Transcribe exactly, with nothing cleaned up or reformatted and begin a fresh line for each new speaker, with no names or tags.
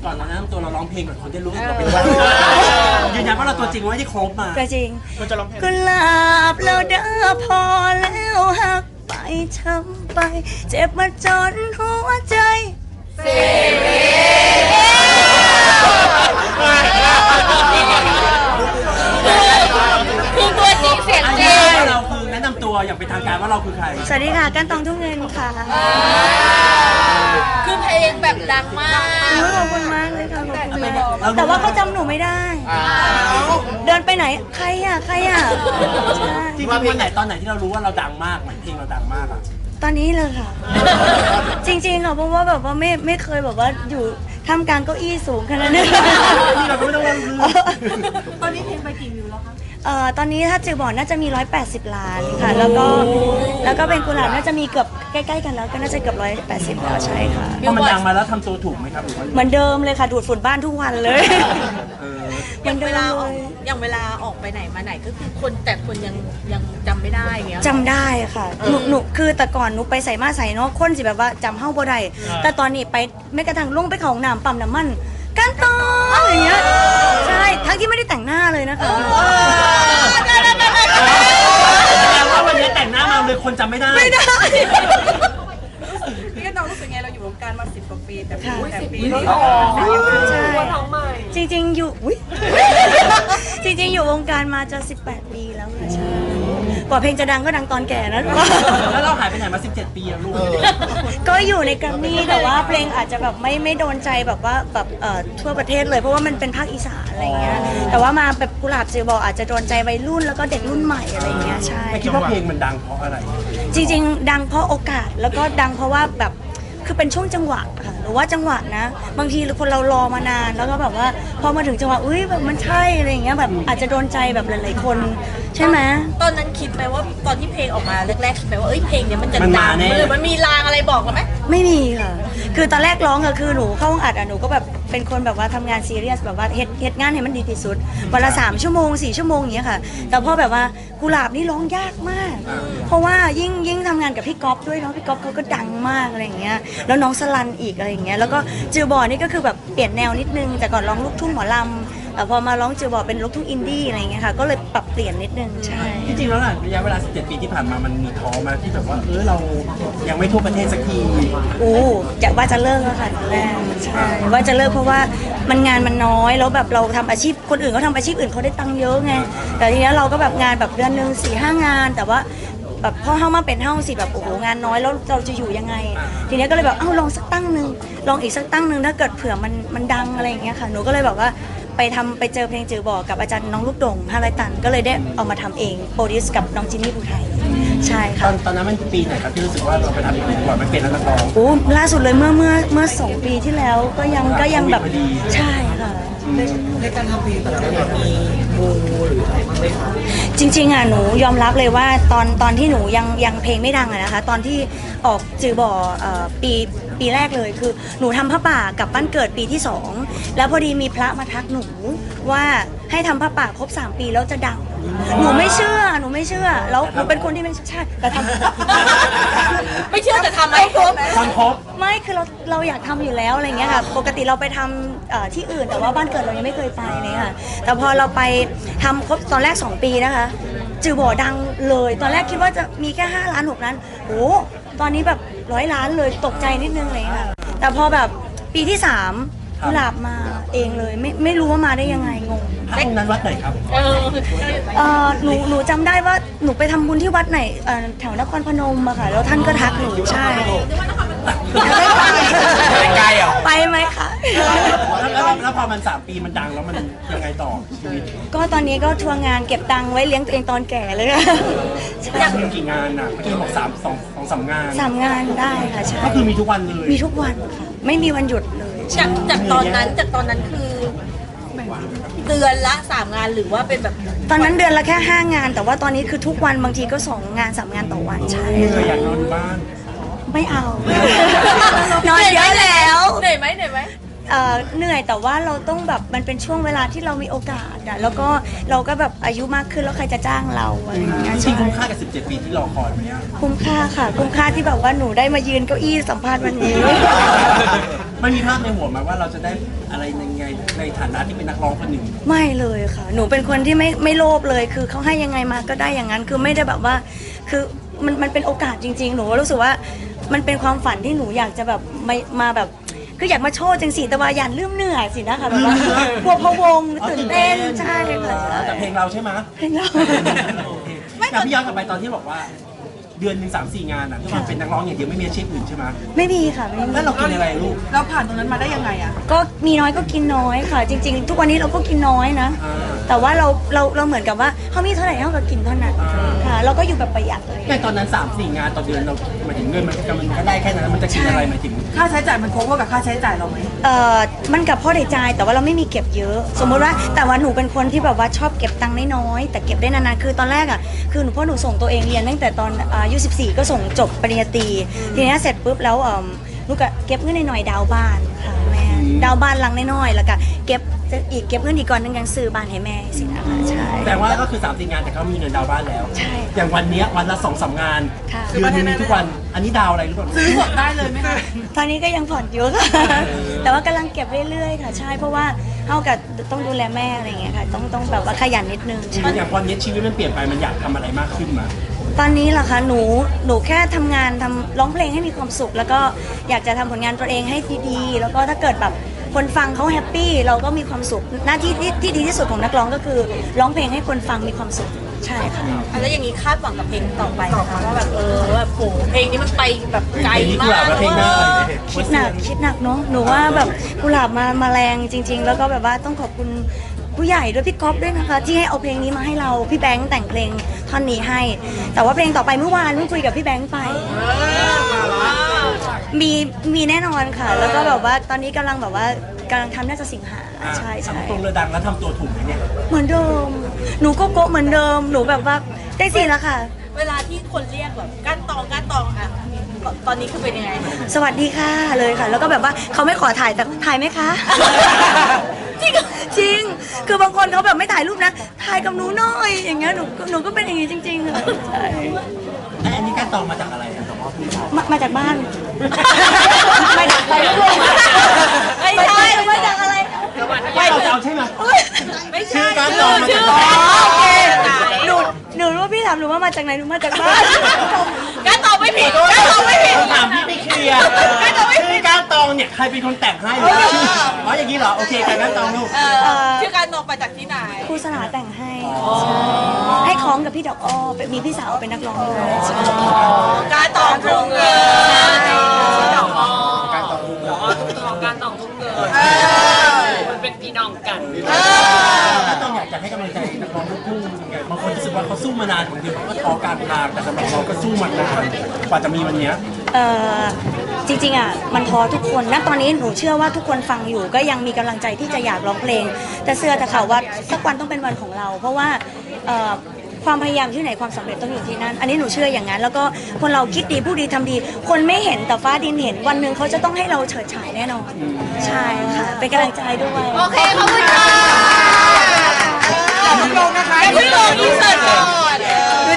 ก่อนเราแนะนำตัวเราร้องเพลงก่อนคนได้รู้เราเป็นว่ายืนยันว่าเราตัวจริงไม่ได้โคบมา
ตัวจริง
มันจะร้องเพลง
กุหลาบเราเด้อพอแล้วหักไปช้ำไปเจ็บมาจนหัวใจเสี
คือตัวจริงเสียงจริง
เราคือแนะนำตัวอย่างเป็นทางการว่าเราคือใคร
สวัสดีค่ะกันตองทุ่งเงินค่ะ
คือเพลงแบบดังมาก
ขอบคุณมากเลยค่ะขอบคุณมากแต่ว่าเขาจำหนูไม่ได้เดินไปไหนใครอ่ะใครอ่ะ
จริงๆวันไหนตอนไหนที่เรารู้ว่าเราดังมากเหมือนเพลงเราดังมากอ่ะ
ตอนนี้เลยค่ะจริงๆค่ะเพราะว่าแบบว่าไม่ไม่เคยแบบว่าอยู่ท่ามกลางเก้าอี้สูงขนาดนี้
เราก็ไม่ต้องรู้
ตอนนี้เพลงไปกี่วิวแล้วคะ
เอ่อตอนนี้ถ้าจือบอดน่าจะมีหนึ่งร้อยแปดสิบล้านค่ะแล้วก็แล้วก็เป็นกุหลาบน่าจะมีเกือบใกล้ๆกันแล้วก็น่าจะเกือบหนึ่งร้อยแปดสิบแล้วใช่ค่ะ
พอมันดังมาแล้วทำตัวถูกไหมครับ
เหมือนเดิมเลยค่ะดูดฝุ่นบ้านทุกวันเลย
อย่างเวลาออกอย่างเวลาออกไปไหนมาไหนก็คือคนแต่คนยังยังจำไม่ได้เงี้ย
จำได้ค่ะหนูหนูคือแต่ก่อนหนูไปใส่มาใส่เนาะคนสิแบบว่าจำเฮ้าบ่ได้แต่ตอนนี้ไปไม่กระทั่งลงไปเขาห้องน้ำปั๊มน้ำมันกันต่ออย่างเงี้ยใช่ทั้งที่ไม่ได้แต่งหน้าเลยนะคะ
แปลว่าวันนี้แต่งหน้ามาเลยคนจำไม่ได้
ไม่ได้
พี่กันน้องรู้สึกไงเราอยู่วงการมาสิบกว่าปีแต่สิบปี
ใช่จริงๆอยู่จริงๆอยู่วงการมาจะสิบแปดปีแล้วค่ะใช่กว่าเพลงจะดังก็ดังตอนแก่นะ
แล้วเราหายไปไหนมาสิบเจ็ดปีอะลูก
ก็อยู่ในแกรมมี่แต่ว่าเพลงอาจจะแบบไม่ไม่โดนใจแบบว่าแบบเอ่อทั่วประเทศเลยเพราะว่ามันเป็นภาคอีสานอะไรเงี้ยแต่ว่ามาแบบกุหลาบจือบอกอาจจะโดนใจวัยรุ่นแล้วก็เด็กรุ่นใหม่อะไรเงี้ยใช่
คิดว่าเพลงมันดังเพราะอะไร
จริงๆดังเพราะโอกาสแล้วก็ดังเพราะว่าแบบคือเป็นช่วงจังหวะค่ะหรือว่าจังหวะนะบางทีคนเรารอมานานแล้วก็แบบว่าพอมาถึงจังหวะอุ้ยแบบมันใช่อะไรอย่างเงี้ยแบบอาจจะโดนใจแบบหลายๆคนใช่ไหม
ตอนนั้นคิดไหมว่าตอนที่เพลงออกมาแรกๆคิดไหมว่าเอ้ยเพลงเนี้ยมันจะดังหรือมันมีลางอะไรบอกเราไหม
ไม่มีค่ะคือตอนแรกร้องก็คือหนูเข้าห้องอัดอ่ะหนูก็แบบเป็นคนแบบว่าทำงานซีเรียสแบบว่าเฮ็ดเฮ็ดงานให้มันดีที่สุดวันละสามชั่วโมงสี่ชั่วโมงอย่างเงี้ยค่ะแต่พอแบบว่ากุหลาบนี่ร้องยากมากเพราะว่ายิ่งยิ่งทำงานกับพี่ก๊อฟด้วยเนาะพี่ก๊อฟเขาก็ดังมากอะไรอย่างเงี้ยแล้วน้องสลันอีกอะไรอย่างเงี้ยแล้วก็จือบอนี่ก็คือแบบเปลี่ยนแนวนิดนึงแต่ก่อนร้องลูกทุ่งหมอลำแต่พอมาร้องจือบอเป็นลูกทุ่งอินดี้อะไรอย่างเงี้ยค่ะก็เลยปรับเปลี่ยนนิดนึงใช่
จริงๆแล้วน่ะระยะเวลาสิบเจ็ดปีที่ผ่านมามันมีท้อมาที่แบบว่าเออเรายังไม่ทั่วประเทศสักที
โอ้จะว่าจะเลิกแล้วค่ะแรกใช่ว่าจะเลิกเพราะว่ามันงานมันน้อยแล้วแบบเราทำอาชีพคนอื่นเขาทำอาชีพอื่นเขาได้ตังค์เยอะไงแต่ทีนี้เราก็แบบงานแบบเดือนหนึ่งสี่ห้างานแต่ว่าแบบพอเข้ามาเป็นเฮ้าสิแบบโอ้โหงานน้อยแล้วเราจะอยู่ยังไงทีนี้ก็เลยแบบเอ้าลองสักตั้งหนึ่งลองอีกสักตั้งหนึ่งถ้าเกิดเผื่อมันมันดังอะไรอย่างเงี้ยค่ะหนูก็เลยแบบว่าไปทำไปเจอเพลงจือบอกกับอาจารย์น้องลูกดงฮาไรตันก็เลยได้เอามาทำเองโปรดิวส์กับน้องจินนี่ภูไทยใช่ค่ะ
ตอนตอนนั้นมันปีไหนครับที่รู้สึกว่าเราไปทำเพลงก่อนมันเป็นนักร้อง
โอ้ล่าสุดเลยเมื่อเมื่อเมื่อสองปีที่แล้วก็ยังก็ยังแบบใช่ค่ะ
ในการทำเพลงแต่ละแบบมีมูหรืออะไรบ้างไหมคะ
จริงๆอ่ะหนูยอมรับเลยว่าตอนตอนที่หนูยังยังเพลงไม่ดังอะนะคะตอนที่ออกจือบ่อปีปีแรกเลยคือหนูทำผ้าป่ากับบ้านเกิดปีที่สองแล้วพอดีมีพระมาทักหนูว่าให้ทำผ้าป่าครบสามปีแล้วจะดังหนูไม่เชื่อหนูไม่เชื่อแล้วหนูเป็นคนที่ไม่ใช่แต่ท
ำไม่เชื่อแต่ทำไม่ครบ
ทำครบ
ไม่คือเราเราอยากทำอยู่แล้วอะไรเงี้ยค่ะปกติเราไปทำที่อื่นแต่ว่าบ้านเกิดเรายังไม่เคยไปเลยค่ะแต่พอเราไปทำครบตอนแรกสองปีนะคะจือบ่อดังเลยตอนแรกคิดว่าจะมีแค่ห้าล้านหกล้านโอ้ตอนนี้แบบร้อยล้านเลยตกใจนิดนึงเลยค่ะแต่พอแบบปีที่สามกุหลาบมาเองเลยไม่ไม่รู้ว่ามาได้ยังไงงง
พระองค์นั้นวัดไหนครับ
เออหนูหนูจำได้ว่าหนูไปทำบุญที่วัดไหนแถวนครพนมอะค่ะแล้วท่านก็ทักหนูใช่
ไกลเหรอ
ไปไหมคะ
แล้วแล้วพอมันสามปีมันดังแล้วมันยังไงต่อชีวิต
ก็ตอนนี้ก็ทัวร์งานเก็บตังค์ไว้เลี้ยงตัวเองตอนแก่เลยค่ะ
อยากมีกี่งานอ่ะเมื่อกี้บอกสามสองสองสามงาน
สามงานได้ค่ะใช่
ก็คือมีทุกวันเลย
มีทุกวันค่ะไม่มีวันหยุดเลย
จากจากตอนนั้นจากตอนนั้นคือเดือนละสามงานหรือว่าเป็นแบบ
ตอนนั้นเดือนละแค่ห้างานแต่ว่าตอนนี้คือทุกวันบางทีก็สองงานสามงานต่อวันใช่
อยากนอนบ้าน
ไม่เอานอนเยอะแล้ว
เหนื่อยไหมเหนื่อยไหม
เหนื่อยแต่ว่าเราต้องแบบมันเป็นช่วงเวลาที่เรามีโอกาสอะแล้วก็เราก็แบบอายุมากขึ้นแล้วใครจะจ้างเราอะไรอย่างเงี้ย
จริงคุ้มค่ากับสิบเจ็ดปีที่รอคอยไหม
คุ้มค่าค่ะคุ้มค่าที่แบบว่าหนูได้มายืนเก้าอี้สัมภาษณ์วันนี้
มันมีภาพในหัวมาว่าเราจะได้อะไรยังไงในฐานะที่เป็นนักร้องคนหนึ่ง
ไม่เลยค่ะ หนูเป็นคนที่ไม่ไม่โลภเลย คือเขาให้ยังไงมาก็ได้อย่างนั้น คือไม่ได้แบบว่า คือมันมันเป็นโอกาสจริงๆ หนูรู้สึกว่ามันเป็นความฝันที่หนูอยากจะแบบมามาแบบ คืออยากมาโชว์จังสิแต่ว่าอย่าลืมเหนื่อยสินะคะแบบว่ากลัวพะวงตื่นเต้นใช่ค่ะใช่
แต่เพลงเราใช่ไหม
เพลงเรา
แต่พี่ย้อนกลับไปตอนที่บอกว่า เดือนหนึ่งสามสี่งานอ่ะที่มันเป็นนักร้องอย่างเดียวไม่มีอาชีพอื่นใช่ไหม
ไม่มีค่ะไม่มี
แล้วเรากินอะไรลูก
เราผ่านตรงนั้นมาได้ยังไงอะ
ก็มีน้อยก็กินน้อยค่ะ จริง ๆ ทุกวันนี้เราก็กินน้อยนะ
อ่า
แต่ว่าเราเราเราเหมือนกับว่าเขามีเท่าไหร่เท่ากับกินเท่านั้น
อ่า
ค่ะเราก็อยู่แบบประหยัดเลย
แต่ตอนนั้นสามสี่งานต่อเดือนเราหมายถึงเงินมันมันก็ได้แค่นั้นมันจะกินอะไรหมายถึง
ค่าใช้จ่ายมัน cover กับค่าใช้จ่ายเราไหม
เอ่อมันกับพ่อได้ใจายแต่ว่าเราไม่มีเก็บเยอะ สมมติว่าแต่ว่าหนูเป็นคนที่แบบว่าชอบเก็บตังค์น้อยๆแต่เก็บได้นานๆคือตอนแรกอ่ะคือหนูพ่อหนูส่งตัวเองเรียนตั้งแต่ตอนอายุสิบสี่ก็ส่งจบปริญญาตรีทีนี้เสร็จปุ๊บแล้วเอ่อหนูก็เก็บเงินหน่อยๆดาวน์บ้านค่ะแม่ดาวน์บ้านหลังน้อยๆแล้วก็เก็บอีกเก็บเงินอีกก่อนนึงยังซื้อบ้านให้แม่สินะคะใช่
แต่ว่าก็คือสามสี่งานแต่เขามีเงินดาวน์บ้านแล้ว
ใช่
อย่างวันเนี้ยวันละสองสามงาน
ค่ะ
เดือนหนึงมีทุกวันอันนี้ดาวอะไรหรือเปล่า
ซื้อหมดได้เลยไหมคะ
ตอนนี้ก็ยังผ่อนอยู่ค่ะแต่ว่ากำลังเก็บเรื่อยๆค่ะใช่เพราะว่าเท่ากับต้องดูแลแม่อะไรอย่างเงี้ยค่ะต้องต้องแบบว่าขยันนิดนึงใช่
อย่างตอนนี้ชีวิตมันเปลี่ยนไปมันอยากทำอะไรมากขึ้นมา
ตอนนี้ล่ะคะหนูหนูแค่ทำงานทำร้องเพลงให้มีความสุข แล้วก็อยากจะทำผลงานตัวเองให้ดีๆแล้วก็ถ้าเกิดแบบคนฟังเขาแฮปปี้เราก็มีความสุขหน้าที่ที่ที่ดีที่สุดของนักร้องก็คือร้องเพลงให้คนฟังมีความสุขใช่ค่ะ
แล้วอย่างนี้คาดหวังกับเพลงต่อไปนะคะว่าแบบเออแบบโหเพลงนี้มันไปแบบไกล
เพลงนี้กุ
มา
หลาบ
ก
และเพลงหน้า
คิดหนักคิดหนักเนาะหนูว่าแบบกุหลาบมามาแรงจริง ๆ แล้วก็แบบว่าต้องขอบคุณผู้ใหญ่ด้วยพี่ก๊อฟด้วยนะคะ ที่ให้เอาเพลงนี้มาให้เราพี่แบงค์แต่งเพลงท่อนนี้ให้ แต่ว่าเพลงต่อไปเมื่อวานเพิ่งคุยกับพี่แบงค์ไป มีมีแน่นอนค่ะ แล้วก็แบบว่าตอนนี้กำลังแบบว่ากำลังทำน่าจะสิงหาใช่ใช่
ทำตรงเรือดังแล้วทำตัวถูกไหมเนี่ย
เหมือนเดิม หนูก็โกะเหมือนเดิม หนูแบบว่าได้สิแล้วค่ะ
เวลาที่คนเรียกแบบก้านตองก้านตองอะตอนนี้คือเป็นยังไง
สวัสดีค่ะเลยค่ะ แล้วก็แบบว่าเขาไม่ขอถ่ายแต่ถ่ายไหมคะ จริงจริง คือบางคนเขาแบบไม่ถ่ายรูปนะ ถ่ายกับหนูหน่อย อย่างเงี้ย หนูหนูก็เป็นอย่างงี้จริงๆค่ะใช่
ไอ้อันนี้การตองมาจากอะไรอะแต่ว่าพี่ชาย
มามาจากบ้าน ไม่ได้ไปด้วยไม่ใช่มาจากอะไร
ไม่เราจะเอาใช่ไหม
ไม่
ชื่
ใช่
อการตองมา
ชื่
จาก
อ
บ้าน
โอเคหนูหนูรู้ว่าพี่ถามหนูว่ามาจากไหนหนูมาจากบ้าน
ก้านตองไม่ผิดก้านตองไม่ผิด
ถามพี่ไปเคลียร์ชื่อการตองเนี่ยใครเป็นคนแต่งให้หรือชื่ออ๋ออย่างนี้เหรอโอเคการตองลูก
เออชื่อก้านตองมาจากที่ไหน
ครูสลาแต่งให้ใช่ให้คล้องกับพี่ดอกอ้อเป็นมีพี่สาวเป็นนักร้องด้วยใช่
การตองทุ่งเงิน
การตองลูก
การตองทุกเกิดมันเป็นพี่น้องกัน
การตองอยากจะให้กำลังใจนักร้องลูกทุ่งยังไงบางคนรู้สึกว่าเขาสู้มานานบางทีเขาก็ท้อกลางทางแต่สำหรับเราก็สู้มานานกว่าจะมีวันเนี้ย
เอ่อจริงๆอ่ะมันพอทุกคนณตอนนี้หนูเชื่อว่าทุกคนฟังอยู่ก็ยังมีกำลังใจที่จะอยากร้องเพลง แต่เชื่อแต่ข่าวว่าสักวันต้องเป็นวันของเรา เพราะว่าเอ่อความพยายามที่ไหนความสำเร็จต้องอยู่ที่นั่น อันนี้หนูเชื่ออย่างนั้น แล้วก็คนเราคิดดีพูดดีทำดี คนไม่เห็นแต่ฟ้าดินเห็นวันหนึ่งเขาจะต้องให้เราเฉิดฉายแน่นอนใช่ค่ะเป็นกำลังใจด้วย
โอเคขอบคุณค่ะอย่าเพิ่งลงนะคะอย่าเพิ่งลงอินเสิร์ตก่อน